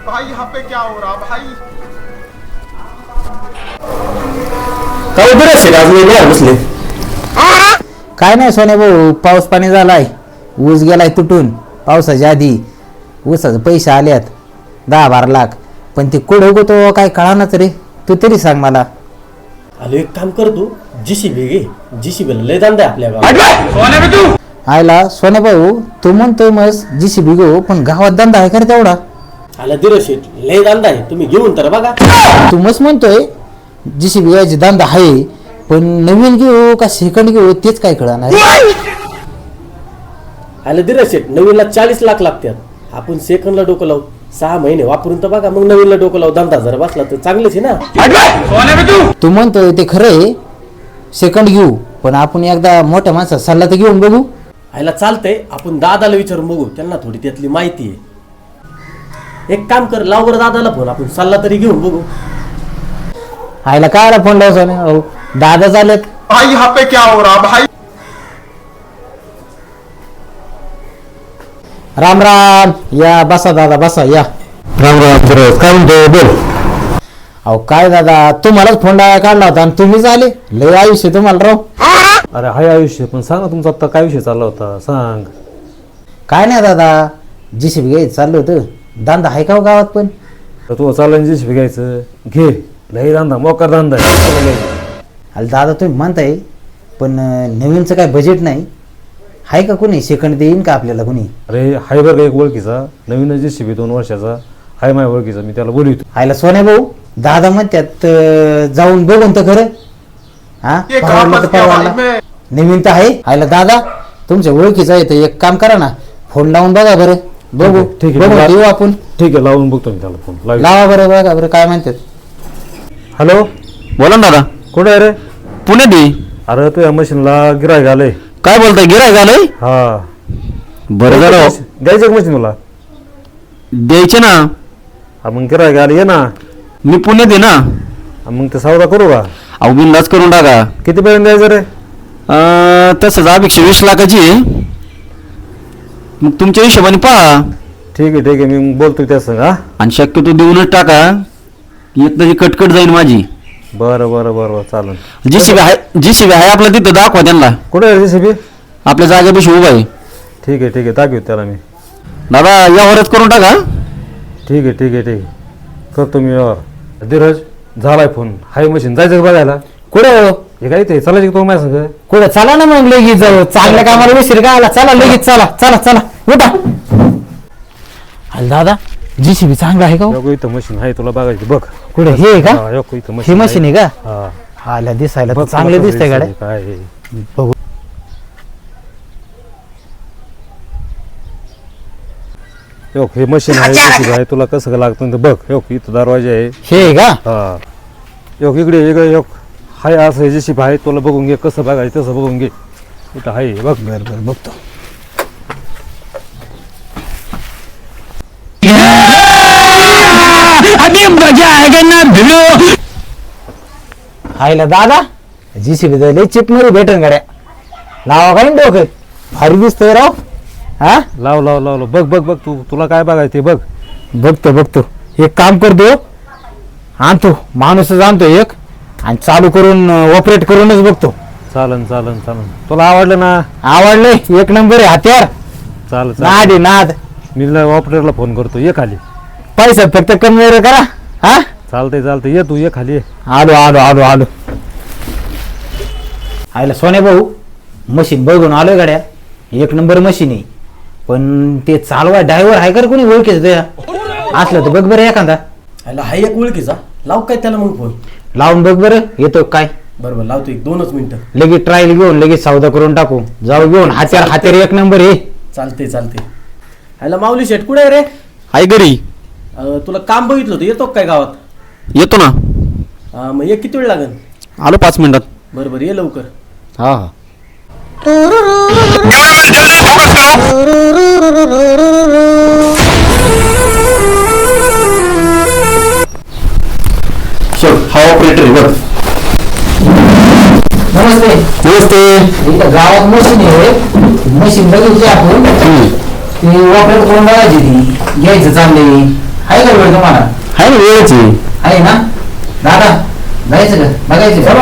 भाई यहाँ पे क्या हो रहा भाई? काय बसले? काय नाही सोने भाऊ, पाऊस पाणी झालाय, ऊस गेलाय तुटून पावसाच्या आधी. ऊसाचे पैसे आल्यात 10-12 लाख, पण ते कुठे होतो काय कळानाच रे. तू तरी सांग मला. आलो एक काम कर, तू जीसीबी घे. जीसीबीला लय धंदा आहे आपल्या गावात. आयला सोने भाऊ, तू म्हणतोय मस्त जीसीबी घेऊ, पण गावात धंदा आहे का रे तेवढा? आला दिरशेट लय धंदा आहे, तुम्ही घेऊन तर बघा. तू मस्त म्हणतोय जीसीबी घ्यायची धंदा आहे, पण नवीन घेऊ का सेकंड घेऊ तेच काय कळणार. आला दिरशेट नवीनला 40 लाख लागतात. आपण सेकंडला डोकं लावू, 6 महिने वापरून तर बघा, मग नवीनला डोकं लावू. धंदा जर बसला तर चांगलंच आहे ना. तू म्हणतोय ते खरं आहे, सेकंड घेऊ, पण आपण एकदा मोठ्या माणसाचा सल्ला तर घेऊन बघू. आयला चालतंय, आपण दादाला विचारून बघू, त्यांना थोडी त्यातली माहिती आहे. एक काम कर, लाव बरं दादाला फोन, आपण सल्ला तरी घेऊन बघू. आयला काय फोन लावतो ना, दादा चालेत. भाई यहाँ पे क्या हो रहा भाई? राम राम. या बसा दादा, बसा या. राम राम. काय म्हणतो बोल. अहो काय दादा, तुम्हालाच फोन काढला होता आणि तुम्हीच आले. लय आयुष्य तुम्हाला राव. अरे हाय आयुष्य, पण सांग ना तुमचा आता काय विषय चालला होता, सांग. काय नाही दादा, जीसीबी घ्यायचं चाललं होतं. धंदा आहे का हो गावात? पण तर तू चालला जीसीबी घ्यायचं, घे. लय धंदा, मोकार धंदा आहे. अरे दादा तुम्ही म्हणताय, पण नवीनचं काय बजेट नाही आहे का? कोणी सेकंड देईन का आपल्याला कोणी? अरे हाय बरं एक ओळखीचा, नवीन जीसीबी 2 वर्षाचा हाय, माझ्या ओळखीचा, मी त्याला बोलवतो. आयला सोन्या भाऊ, दादा म्हणतात जाऊन बघून तर खरं. हा ये कहाँ परवडलं तर फंस गया भाई परवडलं. मैं? नवीन तर आहे. आयला दादा तुमच्या ओळखीचं आहे, तर एक काम करा ना, फोन लावून बघा बरं. बघू, ठीक आहे, बघू येऊ आपण. ठीक आहे, लावून बघतो मी त्याला फोन. लावा बरं, बघा बरं काय म्हणतात. हॅलो, बोला ना दादा. कुठे आहे रे? पुण्यात आहे. अरे तू या मशीनला गिरायक आलंय. काय बोलताय, गिरायक आलंय? हा बरं झालं. द्यायचं मशीन मला? द्यायचे ना. हा मग गिरायक आले, ये ना. मी पुण्यात आहे ना. हा, मग ते सौदा करू का? अहो बिंदास करून टाका. कितीपर्यंत द्यायचं रे? तसंच अपेक्षा 20 लाखाची आहे. मग तुमच्या हिशोबाने पहा, ठीक आहे ठीक आहे, मी बोलतो त्या संग. हा आणि शक्यतो देऊनच टाका, एक तरी कटकट जाईल माझी. बरं बरं बरं चालेल. जीसीबी आहे आपल्या तिथं, दाखवा त्यांना. कुठे आहे जेसीबी? आपल्या जागेपाशी उभा आहे. ठीक आहे दाखवतो त्याला मी. दादा यावरच करून टाका. ठीक आहे करतो मी यावर. धीरज झालाय फोन, हाय मशीन जायचं का बघायला? कुठं हे काय ते चालायचं का तो माझ्या संग? कुठं? चला ना मग लगेच जाऊ. चांगल्या कामाला विसर का आला? चला लगेच, चला चला चला उठा. अरे दादा जीसीबी चांगला आहे का? नको इथं मशीन आहे, तुला बघायची बघ. कुठे हे आहे का? हा, नको इथं हे मशीन आहे का? हा आला दिसायला तर बघ, चांगले तुला दिसतंय गाड्या. काय आहे. बघू. हे मशीन आहे, JCB आहे, तुला कसं का लागतं ते बघ. इथं दरवाजा आहे. हे आहे का? हा इकडे हाय असं जेसीबी आहे, तुला बघून घे कसं बघायचं तसं बघून घे. इथं आहे बघ. बरं बघतो. हायला दादा जीसीबी लय चिप मध्ये भेटन गाड्या. लावा काय डोकं, भारी दिसतोय राव. हा लाव बघ तुला काय बघायचं ते बघ. बघतो. एक काम करतो, आणतो माणूसच आणतो एक, आणि चालू करून ऑपरेट करूनच बघतो. चालन तुला आवडलं ना? आवडले, एक नंबर आहे हत्यार. नाद आहे नाद. मी ऑपरेटरला फोन करतो, ये खाली. पैसा फक्त कमी वगैरे करा. हा चालतंय ये तू, ये खाली ये. आलो. आयला सोने भाऊ, मशीन बघून आलोय गाड्या, एक नंबर मशीन आहे. पण ते चालवा ड्रायव्हर आहे का कोणी ओळखीचं तुया? असलं तर बघ बरं एखादा. आयला हाय एक ओळखीचा, लाव काय त्याला मग फोन. लावून बघ बरं, येतो काय. बरोबर लावतो, 1-2 मिनिटं. लगेच ट्रायल घेऊन लगेच सौदा करून टाकू. जाऊ घेऊन हत्यार एक नंबर आहे. चालते. आयला माऊली शेट कुठे आहे रे? आहे घरी. तुला काम बघितलं होतं, येतो काय गावात? येतो ना. मग ये, किती वेळ लागेल? आलो 5 मिनिटात. बरोबर ये लवकर. हा हा ऑपरेटर बघ. नमस्ते. इथं गावात मशीन आहे, मशीन बघितली आपण. ती ऑपरेट करून बघायची, ती घ्यायचं चाललंय. आहे का वेळ तुम्हाला? आहे ना वेळच आहे. आहे ना दादा, जायचं का बघायचं का?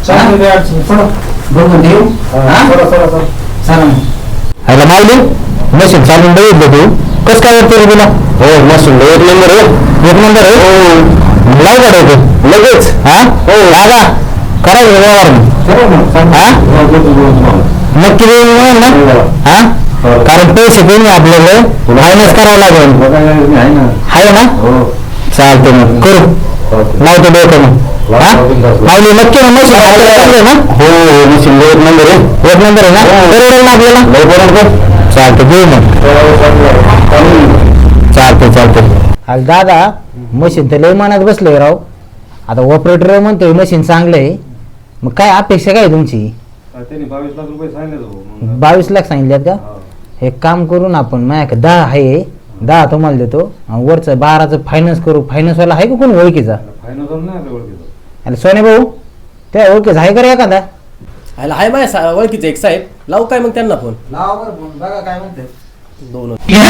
बघून देऊ. चला मग. आयला मावली मशीन चालून बघितलं तू कसं काय वाटतं रे तुला? हो मशीन एक नंबर आहे. एक नंबर आहे. हो लाव काढायचं लगेच. हा हो दादा करायचं व्यवहार हा नक्की देऊ ना. हा कारण पैसे कमी आपल्याला फायनान्स करावं लागेल. आहे ना चालते मग करू लावतो डोकं मग. हा मावली नक्की ना मशीन आपल्याला ना. हो मशीन एक नंबर आहे. एक नंबर आहे ना बरोबर ना आपल्याला बरोबर. चालतं घेऊ मग. चालते अरे दादा मशीन तर लय मनात बसलंय राव. आता ऑपरेटर म्हणतोय मशीन चांगलं आहे. मग काय अपेक्षा काय तुमची? 22 लाख सांगितल्यात का? एक काम करून आपण माझ्याकडे 10 आहे. 10 तुम्हाला देतो आणि वरचं 12चं फायनान्स करू. फायनान्सवाला आहे का कोण ओळखीचा? अरे सोने भाऊ त्या ओळखीचा आहे का रे एखादा? ह्याला हाय माझ्या ओळखीचं एक साहेब. लावू काय मग त्यांना फोन? लावा बरं फोन बघा काय म्हणते. दोन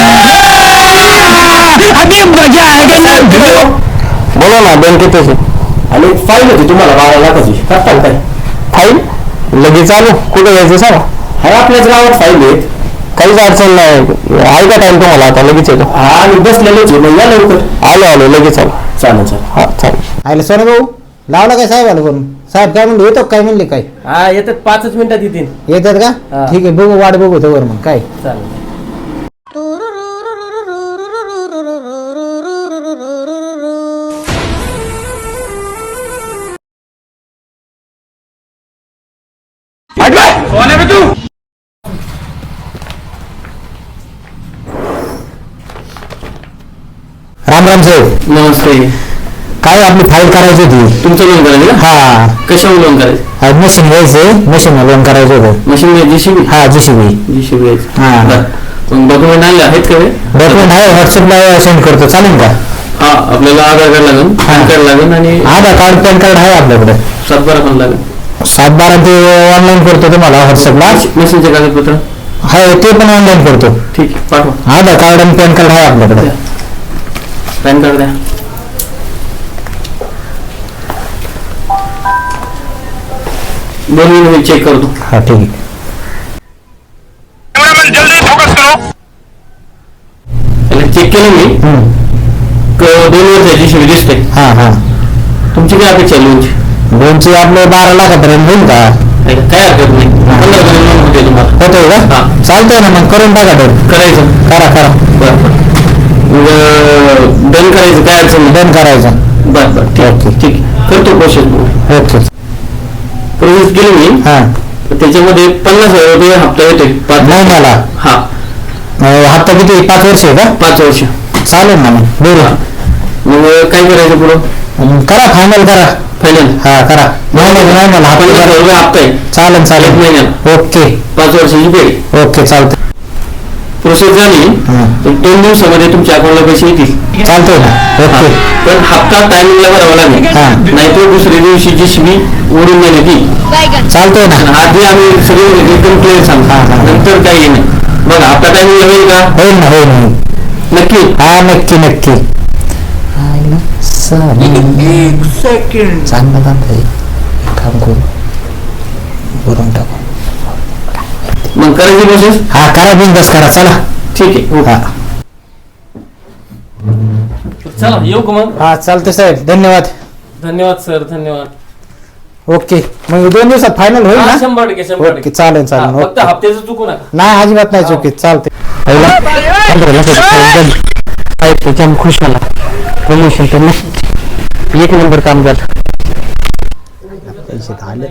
बोला ना बँकेत आणि फाईल होती तुम्हाला 12 लाखाची. करताल काय? फाईल लगेच चालू कुठे जायचं सांगा. हाय आपल्याच गावात फाईल आहेत. काहीच अडचण नाही. आहे का टाइम तुम्हाला आता लगेच येतो. हा आणि बसलेलोच आहे. मग या लवकर. आलो लगेच आलो. चालेल. हा चालेल. आयला सोने भाऊ लावला काय साहेब आला करून? साहेब काय म्हणले येतो काय म्हणले काय? हा येतात 5 मिनिटात येतील. येतात का? हा. ठीक आहे बघू वाट बघू तर मग काय. चालेल. राम राम साहेब. नमस्ते. काय आपली फाईल करायची होती. तुमचं लोन करायचं का? हा कशावर लोन करायचं? मशीन घ्यायचंय. मशीन लोन करायचं होतं. Machine JCB. हा जीसीबी. जीसीबी हा. मग डॉक्युमेंट आणले आहेत का? डॉक्युमेंट आहे व्हॉट्सअपला सेंड करतो चालेल का? हा आपल्याला आधार कार्ड लागेल, पॅन कार्ड लागेल आणि आधार कार्ड पॅन कार्ड आहे आपल्याकडे. 7/12 पण लागेल. 7/12 ते ऑनलाईन करतो तुम्हाला व्हॉट्सअपला. मशीनचे कागदपत्र आहे ते पण ऑनलाईन करतो. ठीक आहे पाठवा. आधार कार्ड आणि पॅन कार्ड आहे आपल्याकडे. पॅन कार्ड द्या. दोन मिनिट मी चेक करतो. हा ठीक आहे. चेक केलं मी. 2 वर्षाची शिवी दिसते. हा हा तुमची काय अपेक्षा आहे लोनची? लोनची आपले 12 लाखापर्यंत होईल का? काय हरकत नाही. 15 लोन होते तुम्हाला. होतोय का? हा. चालतंय ना मग करून टाका डन. करायचं. करा बरं डन करायचं काय अडचण नाही. डन करायचं. बरं ठीक करतो प्रोसेस. ओके प्रोसेस केली मी. हा त्याच्यामध्ये 50,000 रुपये हप्ता येतोय 5 महिन्याला. हा हप्ता किती 5 वर्ष आहे का? 5 वर्ष. चालेल ना मग बोला. मग काय करायचं पुढं? करा फायनल करा. फायनल हा करा. महिन्याला हप्ता 50,000 रुपये हप्ता आहे. चालेल एक चालेल. महिन्याला ओके 5 वर्षाची पेड. ओके चालतंय. प्रोसेस झाली हा. तर 2 दिवसामध्ये तुमच्या अकाउंटला पैसे येतील. चालतंय ना. ओके पण हप्ता टायमिंगला भरावा लागेल. हा. नाहीतर दुसऱ्या दिवशी जीसीबी ओढून नेण्यात येईल. चालतंय ना. आधी आम्ही सगळे एकदम क्लिअर सांगतो. हा. नंतर काही नाही. बघा हप्ता टायमिंगला होईल का? होईल ना होईल. नक्की. हा नक्की. चांगलं चालतंय. काम करू भरून टाकू. मग करायची प्रोसेस. हा करा बिंदास करा चला. ठीक आहे. हा चला येऊ का मग? हा चालतंय साहेब धन्यवाद. धन्यवाद सर. धन्यवाद. ओके मग 2 दिवसात फायनल होईल हा, ना? 100% ओके चालेल हा, फक्त ओके. हप्त्याचं चुकू नका. नाही अजिबात नाही चुकीत चालते. खुश झाला. प्रमोशन तर नक्की 1 नंबर काम झालं. पैसे आले.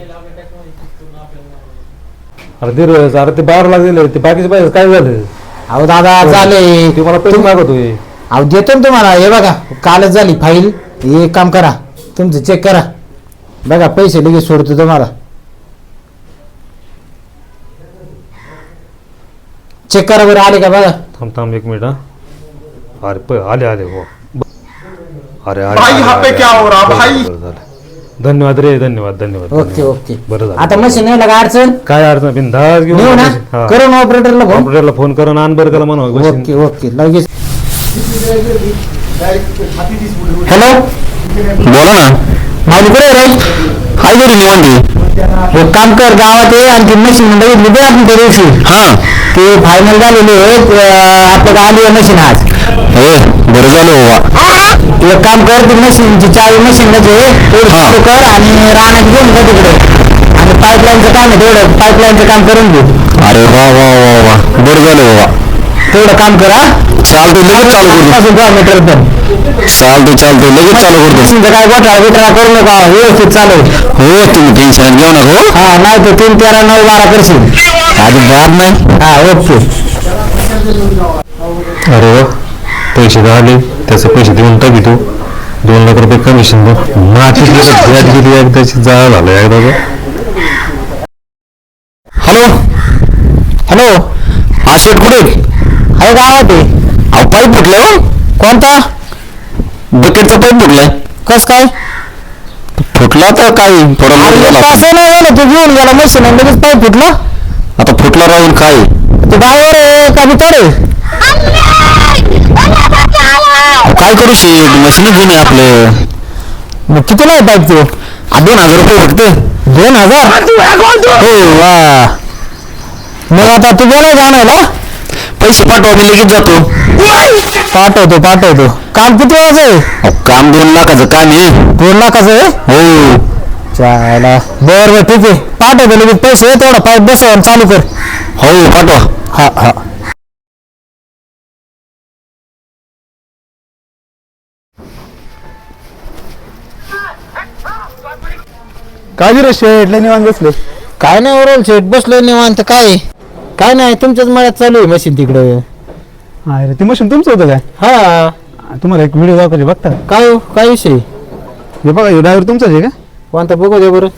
अरे ते 12 लाख दिले ते बाकीचे पैसे काय झालं? अहो दादा झाले. ते मला पैसे मागतोय. अहो देतो ना तुम्हाला. हे बघा कालच झाली फाईल. हे काम करा तुमचं चेक करा. बघा पैसे लगेच सोडतो तुम्हाला. चेक करा बरं आले का बघा. थांब 1 मिनिट. हा अरे आले हो. अरे भाई, यहाँ पे क्या हो रहा भाई? धन्यवाद रे. धन्यवाद. ओके बरं झालं. आता मशीन नाही लागा अडचण. काय अडचण बिनधास्त घेऊन नेऊ ना हा. करू ना ऑपरेटरला फोन. ऑपरेटरला फोन करून आण बरं त्याला म्हणा. ओके लगेच. हॅलो बोला ना माझी कुठे रे काय करू निवांती एक काम कर गावात ये आणि ती मशीन बघितली ते आपण त्या दिवशी हा ते फायनल झालेले आपलं आली मशीन आज हो बरं झालं बाबा एक काम कर ती मशीनची चावी मशीनला जे कर आणि रानात घेऊन जा तिकडे आणि पाईपलाईनचं काम आहे तेवढं पाईपलाईनचं काम करून घे अरे वा वा वा वा बरं झालं बाबा तेवढं काम करा चालतं लगेच चालू करतो मीटर पण चालतं लगेच चालू करतो काय गोठा करू नका व्यवस्थित चालू हो तुम्ही टेन्शन घेऊ नका हा नाही तर 3, 13, 9, 12 करशील आधी बाद नाही हा ओके अरे वा पैसे आले त्याचे पैसे देऊन टाकी तू 2 लाख रुपये कमिशन दे माझी व्याज गेली एकदाची जाळ झालं एकदा हॅलो हॅलो हा शेट कुठे आहे गावात आहे अहो पाईप फुटलं कोणता बकेटचा पाईप फुटलाय कस काय फुटला तर काय थोडा असं नाही झालं तू घेऊन गेला मशीन आणि लगेच पाईप फुटला आता फुटला राहून काय तू ड्रायव्हर आहे का भितर आहे काय करू शेट मशीनच जुने आपलं मग किती नाही पाईप तू 2,000 रुपये फक्त 2,000 हो वा मग आता तू बोलाय जाणार पैसे पाठवा मी लगेच जातो पाठवतो काम किती वाजता आहे काम 2 लाखाचं काम आहे 2 लाखाचं आहे हो चाला बरं ठीक आहे पाठवतो लगेच पैसे तेवढा पाईप बसव चालू कर हो पाठवा हा हा काय रे शेट लय निवांत बसले काय नाही ओरल शेट बसलो निवांत काय नाही तुमच्याच मळ्यात चालू आहे मशीन तिकडं अरे ते मशीन तुमचं होतं काय हा तुम्हाला एक व्हिडिओ दाखवले बघता काय हो काय विषय हे बघा हे ड्रायव्हर तुमचाच आहे का कोणता बघू दे बरं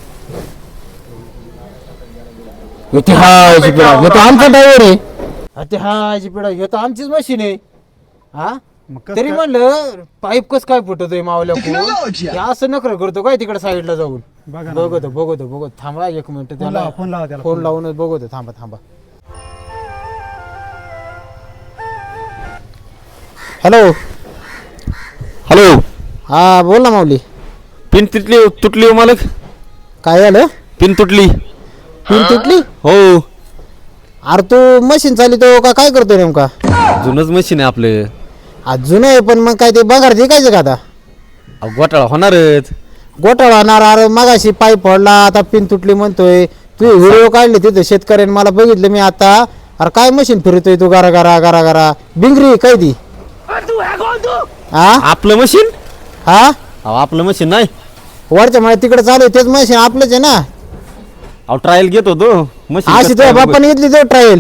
इतिहास तो आमचा ड्रायव्हर आहे इतिहास पिढा हे तर आमचीच मशीन आहे हा तरी म्हणलं पाईप कस काय फुटतोय मावल्या कोण असं नकर करतो काय तिकडे साईडला जाऊन बघतो थांबा 1 मिनिट त्याला फोन लावूनच बघतो थांबा हॅलो हा बोल ना माऊली पिन तुटली मालक काय झालं पिन तुटली हो अरे तू मशीन चालितो का काय करतोय नेमका जुनच मशीन आहे आपलं अजून आहे पण मग काय ते बघार ते काय का आता घोटाळा होणारच घोटाळा होणार अरे मगाशी पाईप फोडला आता पिन तुटली म्हणतोय तू व्हिडिओ काढले तिथे शेतकऱ्याने मला बघितलं मी आता अरे काय मशीन फिरतोय तू गारा बिंगरी काय ती हा आपलं मशीन हा आपलं मशीन नाही वरच्या मला तिकडे चालू आहे तेच मशीन आपलंच आहे ना ट्रायल घेत होतो अशी मशीन तुझ्या बाप्पाने घेतली तो ट्रायल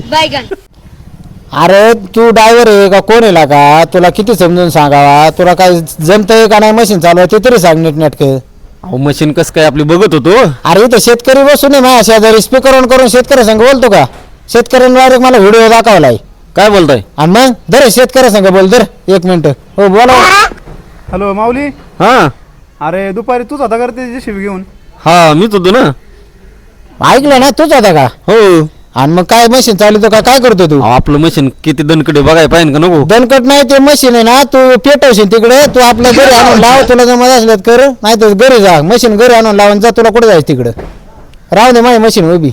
अरे तू ड्रायव्हर आहे का कोण आहे का तुला किती समजून सांगावा तुला काय जमतंय का नाही मशीन चालू ते तरी सांग नेटकं अहो मशीन कस काय आपली बघत होतो अरे इथं शेतकरी बसून आहे माझ्या शेजारी स्पीकर ऑन करून शेतकऱ्या संग बोलतो का शेतकऱ्यांनी डायरेक्ट मला व्हिडिओ दाखवलाय काय बोलताय आणि मग दर शेतकऱ्या संग बोल दर 1 मिनिट हो बोला हॅलो माऊली हा अरे दुपारी तूच होता करते जेसीबी घेऊन हा मीच होतो ना ऐकलं ना तूच होता का हो आणि मग काय मशीन चालवतो का काय करतो तू आपलं मशीन किती दणकडे बघाय पाहिजे का नको दणकट नाही ते मशीन आहे ना तू पेटवशील तिकडे तू आपल्या घरी आणून लाव तुला जमत असल्यात कर नाही तर घरी जा मशीन घरी आणून लावून जा तुला कुठे जायचं तिकडं राहू दे माझी मशीन उभी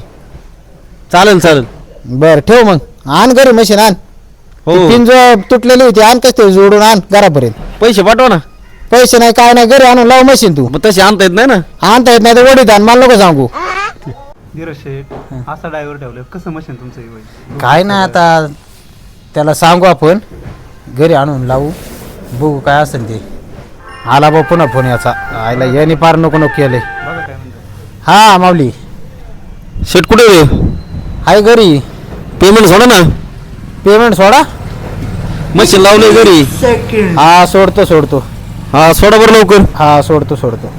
चालेल बर ठेव मग आण घरी मशीन आण हो पिन जो तुटलेली होती आण कस ते जोडून आण घरापर्यंत पैसे पाठवा ना पैसे नाही काय नाही घरी आणून लाव मशीन तू मग तसे आणता येत नाही ना आणता येत नाही तर वडीत आण मला नको सांगू धीरज शेठ असा ड्रायव्हर ठेवलं कसं मशीन तुमचं होईल काय नाही आता त्याला सांगू आपण घरी आणून लावू बघू काय असेल ते आला बा पुन्हा फोन याचा आयला याने पार नको केलंय बघा काय म्हणतो हा माऊली शेट कुठे हाय घरी पेमेंट सोडा ना पेमेंट सोडा मशीन लावलंय घरी हा सोडतो हा सोडा बरं लवकर हा सोडतो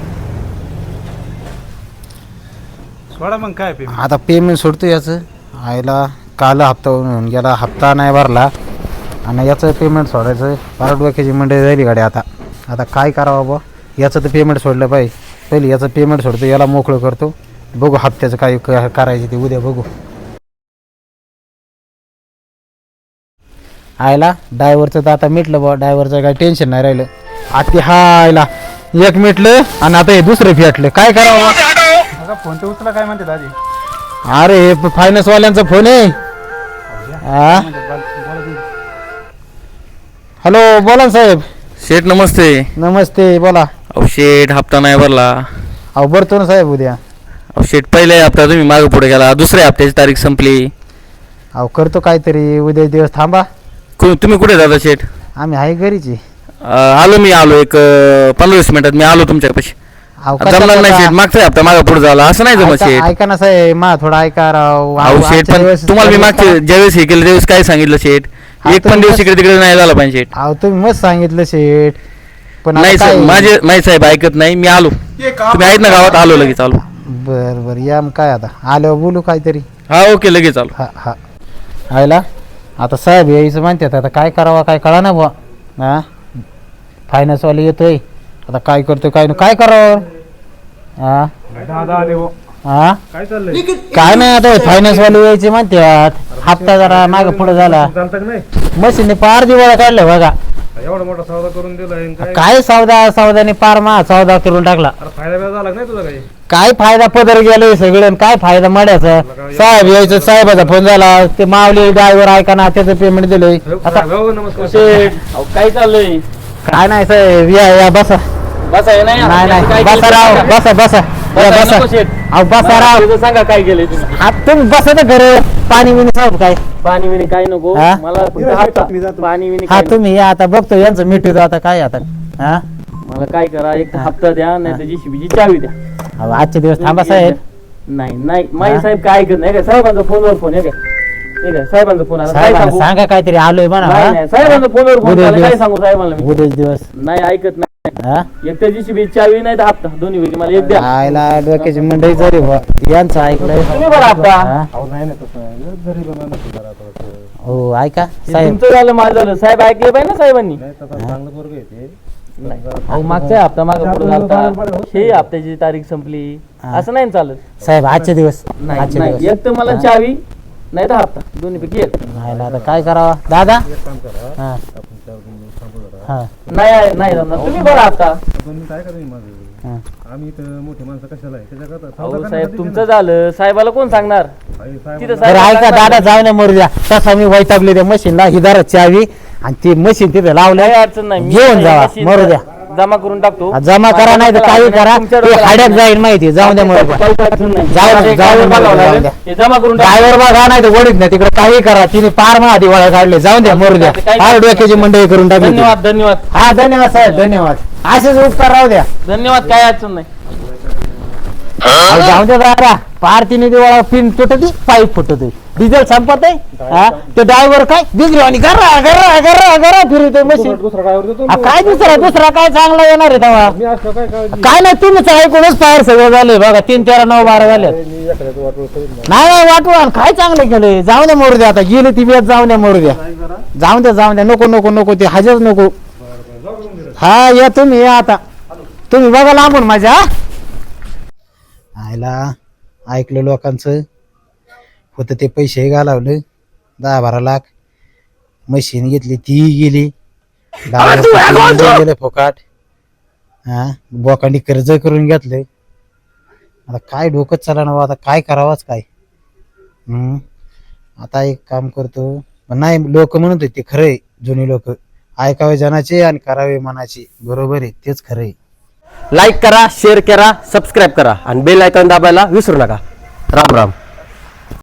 सोडा मग काय पेमेंट आता पेमेंट सोडतो याचं आयला काल हप्ता होऊन गेला हप्ता नाही भरला आणि याचं पेमेंट सोडायचं पारड डोक्याची मंडळी झाली गाडी आता काय करावं बा याचं तर पेमेंट सोडलं पाहिजे पहिले याचं पेमेंट सोडतो याला मोकळं करतो बघू हप्त्याचं काय करायचं ते उद्या बघू आयला ड्रायव्हरचं तर आता मिटलं बा, ड्रायव्हरचं काही टेन्शन नाही राहिलं. आता हा आयला एक मिटलं आणि आता हे दुसरं फेटलं, काय करावं. आता फोन ते उचला काय म्हणते दादी. अरे फायनान्स वाल्यांचा फोन आहे. हा हॅलो बोला ना साहेब. शेठ नमस्ते. नमस्ते बोला. अहो शेठ हप्ता नाही भरला. अहो भरतो ना साहेब उद्या. अहो शेठ पहिले हप्ता तुम्ही मागे पुढे गेला, दुसऱ्या हप्त्याची तारीख संपली. अहो करतो काहीतरी, उद्या दिवस थांबा. तुम्ही कुठे जाता शेठ? आम्ही आहे घरीच आहे. आलो एक 15-20 मिनिटात मी आलो तुमच्यापाशी. अहो जमणार नाही शेठ, मागचा हप्ता मागे पुढे झाला असं नाही जमत शेठ. ऐका ना साहेब मा थोडा ऐका राव. अहो शेठ पण तुम्हाला मी मागचे ज्यावेळेस हे केलं त्यावेळेस काय सांगितलं शेठ, एक पण दिवस इकडे तिकडे नाही झाला पाहिजे शेठ. अहो तुम्ही मस्त सांगितलं शेठ, पण नाही आता साहेब काय- माझे साहेब ऐकत नाही. मी आलो, तुम्ही आहेत ना गावात, आलो लगेच आलो. बर बर या मग काय आता आल्यावर बोलू काहीतरी. हा ओके लगेच आलो. हा हा आयला आता साहेब यायचं म्हणतात, आता काय करावा काय कळा ना बुवा. हा फायनान्सवाले येतोय, आता काय करतोय काय करावं. हा दादा आले हो. हा काय चाललंय? काय नाही आता फायनान्सवाले यायचे म्हणतात, हप्ता जरा मागे पुढे झाला, चालतं का नाही? मशीनने पार दिवाळा काढलं बघा. एवढा मोठा सौदा करून दिलाय काय काय सौदाने पार सौदा करून टाकला. अरे फायदा बिदा झाला का नाही तुझा काही? काय फायदा पदर गेलोय सगळं आणि काय फायदा मड्याचा. साहेब यायचं, साहेबाचा फोन झाला, ते मावले ड्रायव्हर ऐका ना त्याचं पेमेंट दिलंय. आता हो, नमस्कार. काय चाललंय? काय नाही साहेब या बसा. नाही नाही बसा राव, बसा बसा या बसा. अहो बसा राव. सांगा काय केलंय तुम्ही? हा तुम्ही बसा ना घर, पाणी बिणी साहेब काय. पाणी विणी काय नको हा? मला फक्त हप्ता. पाणी विणी हा काय तुम्ही या आता बघतो यांचं मिठू आता काय आता. हा नको. मला काय करा, एक तर हप्ता द्या नाही तर जीसीबीची चावी द्या. अहो, आजचे दिवस थांबा साहेब. नाही माझे साहेब काय ऐकत नाही. काय साहेबांचा फोनवर फोन आहे काय साहेबांचा फोन आला काय साहेबांना सांगू? सांगा काहीतरी आलोय म्हणा. नाही, हा? नाही, साहेबांचा फोनवर फोन उद्या आला, काय दिवस. सांगू साहेबांना मी? उद्याच दिवस. नाही ऐकत नाही. हा एक तर जीसीबी चावी नाही तर हप्ता, दोन्ही पैकी मला एक द्या. आयला डोक्याची मंडई झाली बुवा. यांचं ऐकलंय. तुम्ही बरं हप्ता. हा? हो ऐका साहेब. तुमचं झालं माझं झालं, साहेब ऐकले पाहिजे ना साहेबांनी. अहो मागचा हप्ता मागे पुढे झालता, हे हप्त्याची तारीख संपली, असं नाही ना चालत. साहेब आजचे दिवस. आजचे नाही दिवस. एक तर मला चावी नाही तर हप्ता, दोन्ही पैकी एक. नाही आता काय करावा दादा. हा हा नाही जमणार. तुम्ही बरं हप्ता. काय करा माझं? हा. आम्ही इथं मोठे माणसं कशाला आहे त्याच्याकरता अहो साहेब तुमचं झालं, साहेबाला कोण सांगणार तिथं बरं साहेब ऐका दादा जाऊ नये मरू द्या. तसा मी वैतागले त्या मशीनला हिदार चावी आणि ती मशीन तिथे लावलंय. काही अडचण नाही. मी घेऊन जावा मशीन मरू द्या. जमा करून टाकतो. जमा करा नाही तर काही करा. ते हाड्यात जाईल माहिती. जाऊ द्या मरू द्या. काही अडचण नाही. जाऊ द्या, जाऊ द्या, बघावं जाऊ लागेल. द्या. हे जमा करून टाकतो. ड्रायव्हर बघा नाही तर वडीत नाही तिकडे काही करा. तिने पार महादी वळा काढले. जाऊ द्या मरू द्या. फार डोक्याची मंडई करून टाकली. धन्यवाद हा धन्यवाद साहेब धन्यवाद. असेच उपकार राहू द्या. धन्यवाद. काय अडचण नाही. अहो, जाऊ द्या दादा. पार तिने दिवाळा पिन तुटत पाईप फुटत डिझेल संपत आहे. हा ते ड्रायव्हर काय बिजली आणि गरा गरा गरा गरा फिरतोय मशीन. दुसरा ड्रायव्हर देतो हा, काय दुसरा काय चांगला येणार आहे तेव्हा. मी असतो काय काय नाही तुम्हीच ऐकूनच पायर सगळं झाले बघा. 3, 13, 9, 12 झाले. नाही वाटवा काय चांगलं केलंय. जाऊ द्या मोरू द्या. आता गेली ती वेळ जाऊ द्या मोरू द्या. जाऊ द्या नको ते हजच नको. हा या तुम्ही या आता. तुम्ही बघा लांबून माझ्या. आयला ऐकलं लोकांचं होतं ते पैसे घालावलं 10-12 लाख. मशीन घेतली ती गेली. गेले फोकाट. हा बोकांनी कर्ज करून घेतलं. आता काय डोकं चाला ना आता काय करावाच काय. आता एक काम करतो. पण नाही लोक म्हणत होते खरंय. जुनी लोक ऐकावे जनाचे आणि करावे मनाचे. बरोबर आहे तेच खरंय. लाईक करा, शेअर करा, सबस्क्राईब करा आणि बेल आयकॉन दाबायला विसरू नका. राम राम.